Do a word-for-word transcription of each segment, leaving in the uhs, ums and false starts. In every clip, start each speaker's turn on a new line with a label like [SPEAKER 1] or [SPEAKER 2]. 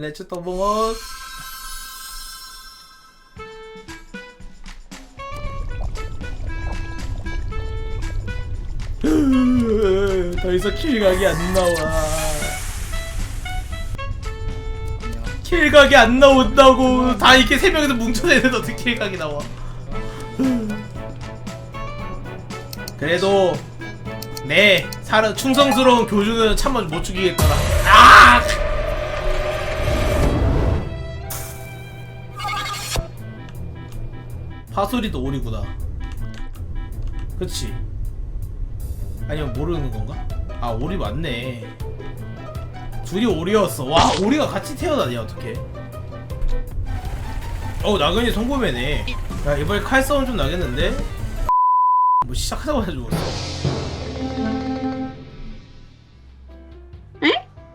[SPEAKER 1] Let's 도봉어. 더 이상 킬각이 안 나와. 킬각이 안 나온다고. 다 이렇게 세 명이서 뭉쳐서 있는데 어떻게 킬각이 나와? 그래도 내 사람 충성스러운 교주는 참아 못 죽이겠더라. 아! 파소리도 오리구나. 그치? 아니면 모르는 건가? 아, 오리 맞네. 둘이 오리였어. 와, 오리가 같이 태어나냐 어떡해. 어우, 나근이 송고매네. 야, 이번에 칼싸움 좀 나겠는데? 뭐 시작하자마자 죽었어.
[SPEAKER 2] 에?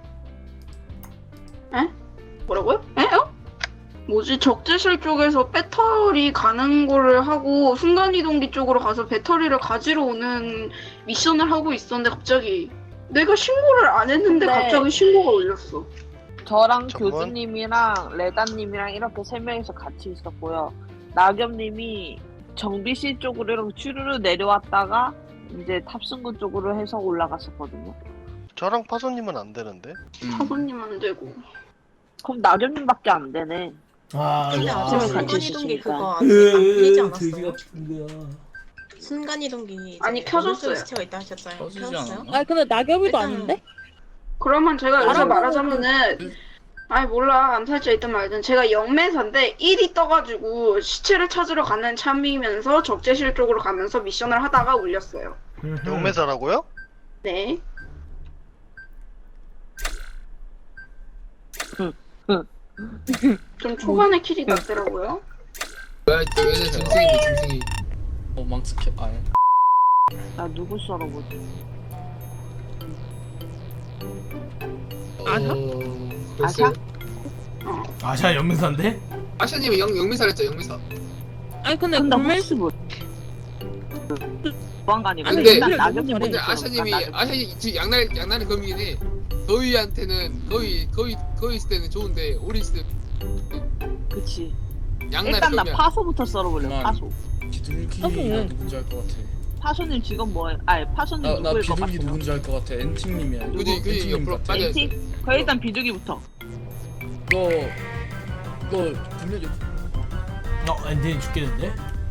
[SPEAKER 2] 에? 뭐라고요? 에? 어? 뭐지? 적재실 쪽에서 배터리 가는 거를 하고 순간이동기 쪽으로 가서 배터리를 가지러 오는 미션을 하고 있었는데 갑자기 내가 신고를 안 했는데
[SPEAKER 3] 네.
[SPEAKER 2] 갑자기 신고가 울렸어.
[SPEAKER 3] 저랑
[SPEAKER 4] 저건?
[SPEAKER 3] 교주님이랑 레다님이랑 이렇게 세 명이서 같이 있었고요. 낙엽님이 정비실 쪽으로 이렇게 쭈르르 내려왔다가 이제 탑승구 쪽으로 해서 올라갔었거든요.
[SPEAKER 4] 저랑 파소님은 안 되는데?
[SPEAKER 2] 사부님 안 되고.
[SPEAKER 3] 그럼 낙엽님밖에 안 되네.
[SPEAKER 1] 아,
[SPEAKER 5] 근데
[SPEAKER 1] 와.
[SPEAKER 5] 아직
[SPEAKER 3] 같이
[SPEAKER 5] 순간이동기
[SPEAKER 3] 있으니까.
[SPEAKER 5] 그거 안, 안 풀리지
[SPEAKER 1] 으, 돼지
[SPEAKER 5] 않았어요?
[SPEAKER 1] 같은 거야.
[SPEAKER 5] 순간이동기
[SPEAKER 2] 아니, 켜졌어요.
[SPEAKER 5] 시체가 있다 하셨잖아요.
[SPEAKER 6] 켜지지
[SPEAKER 5] 켜졌어요?
[SPEAKER 6] 않았나?
[SPEAKER 7] 아 근데 낙엽이도
[SPEAKER 5] 일단-
[SPEAKER 7] 아닌데?
[SPEAKER 2] 그러면 제가 여기서
[SPEAKER 7] 알아보고
[SPEAKER 2] 말하자면은 아니 몰라 암살자 있든 말든 제가 영매사인데 일이 떠가지고 시체를 찾으러 가는 참이면서 적재실 쪽으로 가면서 미션을 하다가 울렸어요.
[SPEAKER 4] 용매사라고요?
[SPEAKER 2] 네. 좀 초반에 킬이 났더라고요.
[SPEAKER 6] 뭐야 얘네 짐승인데 짐승이 어 망스캡 아예
[SPEAKER 3] 나 누구 썰어보지?
[SPEAKER 7] 아샤?
[SPEAKER 6] 어... 글쎄요.
[SPEAKER 1] 아샤 연맹사인데?
[SPEAKER 6] 아샤님이 영, 영미사랬죠 영미사.
[SPEAKER 7] 아니 근데
[SPEAKER 3] 근데
[SPEAKER 7] 불멸
[SPEAKER 3] 혹시 뭐 보안관이고
[SPEAKER 6] 근데-
[SPEAKER 3] 일단
[SPEAKER 7] 근데
[SPEAKER 3] 낙엽님
[SPEAKER 7] 너무
[SPEAKER 6] 근데
[SPEAKER 3] 먼저
[SPEAKER 6] 아샤님이
[SPEAKER 3] 낙엽.
[SPEAKER 6] 아샤님 지금 양날 양날이 검이긴 해. 거위한테는 거위 거위 거위 있을 때는 좋은데 오리 있을 때
[SPEAKER 3] 그치.
[SPEAKER 6] 양날이
[SPEAKER 3] 일단 나
[SPEAKER 6] 검이야.
[SPEAKER 3] 파소부터 썰어볼래.
[SPEAKER 6] 그만.
[SPEAKER 3] 파소.
[SPEAKER 6] 비둘기가
[SPEAKER 7] 파소는?
[SPEAKER 6] 누군지 알 것 같아.
[SPEAKER 3] 파소님 지금 뭐해? 아니 파소님
[SPEAKER 6] 나, 나
[SPEAKER 3] 누구일 것
[SPEAKER 6] 비둘기
[SPEAKER 3] 같아요?
[SPEAKER 6] 누군지 알 것 같아. 엔팅님이야.
[SPEAKER 3] 누구?
[SPEAKER 6] 그지 그지 옆으로
[SPEAKER 3] 엔티?
[SPEAKER 6] 빠져있어.
[SPEAKER 3] 그럼 일단 비둘기부터.
[SPEAKER 6] 이거 이거 분명히
[SPEAKER 1] 어, 엔딩 죽겠는데?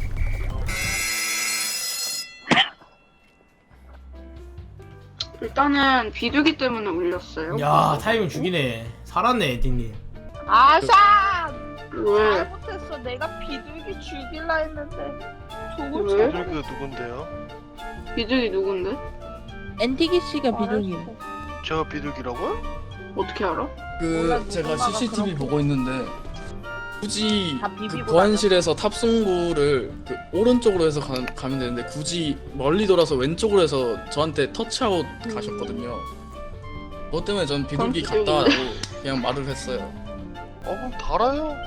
[SPEAKER 2] 일단은 비둘기 때문에 울렸어요.
[SPEAKER 1] 야, 타이밍 죽이네. 살았네, 엔딩님.
[SPEAKER 3] 아샤!
[SPEAKER 2] 왜?
[SPEAKER 3] 잘못했어. 내가 비둘기 죽일라 했는데. 저거
[SPEAKER 2] 왜?
[SPEAKER 4] 비둘기가 누군데요?
[SPEAKER 2] 비둘기 누군데?
[SPEAKER 7] 엔티기 씨가 비둘기.
[SPEAKER 4] 제가 비둘기라고요?
[SPEAKER 2] 어떻게 알아?
[SPEAKER 6] 그
[SPEAKER 3] 몰라,
[SPEAKER 6] 제가
[SPEAKER 3] 누군가가
[SPEAKER 6] 씨씨티비
[SPEAKER 3] 그런
[SPEAKER 6] 보고 있는데 굳이
[SPEAKER 3] 다
[SPEAKER 6] 그
[SPEAKER 3] 비비고
[SPEAKER 6] 보안실에서 탑승구를 그 오른쪽으로 해서 가, 가면 되는데 굳이 멀리 돌아서 왼쪽으로 해서 저한테 터치아웃 가셨거든요. 그것 때문에 전 비둘기
[SPEAKER 2] 그럼
[SPEAKER 6] 같다고 그냥 말을 했어요.
[SPEAKER 4] 어 그럼 달아요.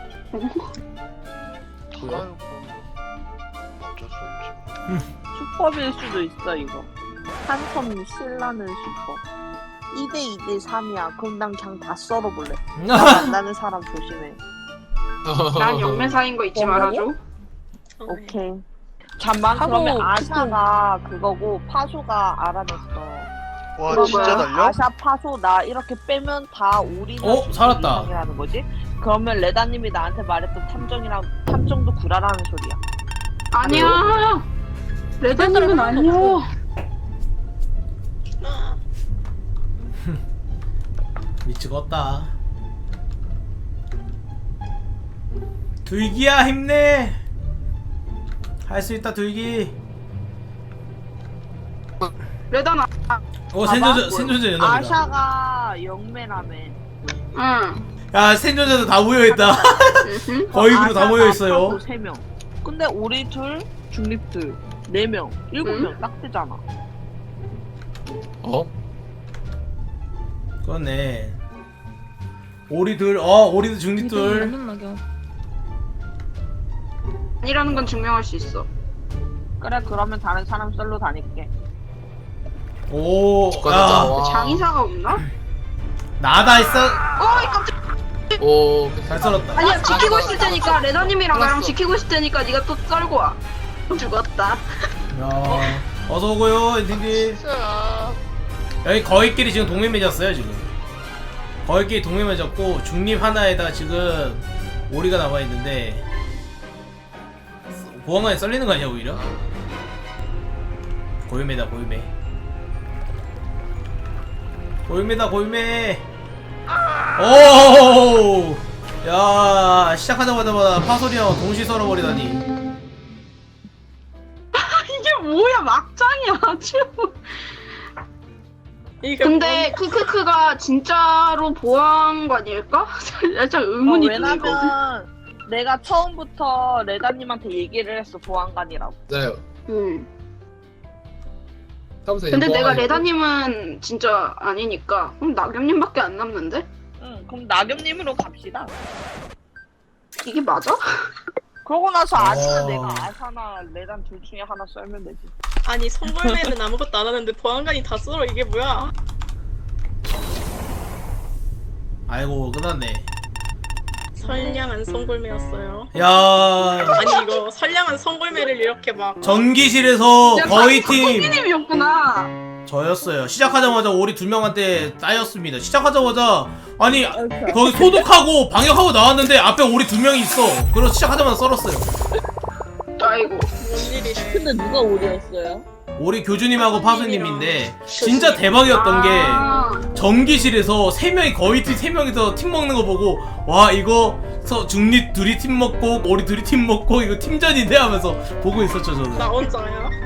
[SPEAKER 4] 달아요. 어쩔 수 없지.
[SPEAKER 3] 슈퍼빌 수도 있어 이거. 한섬 신라는 슈퍼. 이 대 이 대 삼이야. 그럼 난 그냥 다 썰어볼래. 나는 사람 조심해.
[SPEAKER 2] 난 영매사인 거 잊지 말아줘.
[SPEAKER 3] 오케이. 잠만
[SPEAKER 7] 하고
[SPEAKER 3] 그러면 아샤가 그거고 파소가 알아냈어.
[SPEAKER 4] 와
[SPEAKER 2] 그거
[SPEAKER 4] 진짜
[SPEAKER 2] 뭐야?
[SPEAKER 4] 달려?
[SPEAKER 3] 아샤 파소 나 이렇게 빼면 다 우리가
[SPEAKER 1] 어? 살았다.
[SPEAKER 3] 이라는 거지? 그러면 레다님이 나한테 말했던 탐정이랑 탐정도 구라라는 소리야.
[SPEAKER 2] 아니야. 레드님은 아니야.
[SPEAKER 1] 미치겠다. 둘기야, 힘내. 할 수 있다, 둘기.
[SPEAKER 2] 레다나.
[SPEAKER 1] 어,
[SPEAKER 3] 봐봐.
[SPEAKER 1] 생존자, 생존자 연합이다.
[SPEAKER 3] 아샤가 영매라며.
[SPEAKER 2] 응.
[SPEAKER 1] 야, 생존자도 다 모여있다.
[SPEAKER 2] 으흠.
[SPEAKER 1] 거의로 다
[SPEAKER 3] 아샤가
[SPEAKER 1] 모여있어요.
[SPEAKER 3] 파소 세 명. 근데 우리 둘, 중립 둘, 네 명, 일곱
[SPEAKER 2] 응?
[SPEAKER 3] 명 딱 되잖아.
[SPEAKER 6] 어?
[SPEAKER 1] 그렇네. 오리들, 어, 오리들 중립들.
[SPEAKER 7] 완전 낙엽.
[SPEAKER 2] 아니라는 건 증명할 수 있어.
[SPEAKER 3] 그래 그러면 다른 사람 썰로 다닐게.
[SPEAKER 1] 오,
[SPEAKER 6] 축하드립니다.
[SPEAKER 1] 야,
[SPEAKER 6] 와.
[SPEAKER 2] 장의사가 없나?
[SPEAKER 1] 나다 있어.
[SPEAKER 2] 어이 깜짝.
[SPEAKER 6] 오
[SPEAKER 1] 잘 썰었다.
[SPEAKER 2] 아니야 지키고 있을 테니까 레다님이랑 나랑
[SPEAKER 6] 알았어.
[SPEAKER 2] 지키고 있을 테니까 네가 또 썰고 와. 죽었다.
[SPEAKER 1] 야, 어서 오고요, 엔딩님.
[SPEAKER 4] 진짜.
[SPEAKER 1] 여기 거의끼리 지금 동맹 맺었어요, 지금. 거의끼리 동맹 맺었고, 중립 하나에다 지금 오리가 남아있는데, 보안관에 썰리는 거 아니야, 오히려? 고유매다, 고유매. 고유매다, 고유매. 오! 야, 시작하자마자 파소리랑 동시 썰어버리다니.
[SPEAKER 2] 이게 뭐야 막장이야 아주.
[SPEAKER 5] 이게
[SPEAKER 2] 근데 크크크가 진짜로 보안관일까? 살짝 의문이
[SPEAKER 3] 어,
[SPEAKER 2] 들거든.
[SPEAKER 3] 왜냐면 내가 처음부터 레다님한테 얘기를 했어 보안관이라고.
[SPEAKER 6] 맞아요.
[SPEAKER 2] 음.
[SPEAKER 6] 하면서
[SPEAKER 2] 근데 내가
[SPEAKER 6] 보안관이
[SPEAKER 2] 레다님은 진짜 아니니까 그럼 나겸님밖에 안 남는데?
[SPEAKER 3] 응, 그럼 나겸님으로 갑시다.
[SPEAKER 2] 이게 맞아?
[SPEAKER 3] 그러고 나서 아니면
[SPEAKER 1] 어.
[SPEAKER 3] 내가 아사나 레단 둘 중에 하나 썰면 되지.
[SPEAKER 5] 아니 성골매는 아무것도 안 하는데 보안관이 다 썰어 이게 뭐야?
[SPEAKER 1] 아이고, 끝났네.
[SPEAKER 5] 선량한 성골매였어요.
[SPEAKER 1] 야,
[SPEAKER 5] 아니 이거 선량한 성골매를 이렇게 막
[SPEAKER 1] 전기실에서 거의 팀
[SPEAKER 2] 님이었구나.
[SPEAKER 1] 저였어요. 시작하자마자 오리 두 명한테 따였습니다. 시작하자마자 아니 거기 소독하고 방역하고 나왔는데 앞에 오리 두 명이 있어. 그래서 시작하자마자 썰었어요.
[SPEAKER 2] 아이고.
[SPEAKER 5] 뭔 일이래.
[SPEAKER 3] 근데 누가 오리였어요?
[SPEAKER 1] 오리 교주님하고 파수님인데 진짜 대박이었던 게
[SPEAKER 2] 아,
[SPEAKER 1] 전기실에서 세 명이 거의 팀 세 명이서 팀 먹는 거 보고 와 이거 서 중립 둘이 팀 먹고 오리 둘이 팀 먹고 이거 팀전인데 하면서 보고 있었죠 저는.
[SPEAKER 5] 나 혼자야.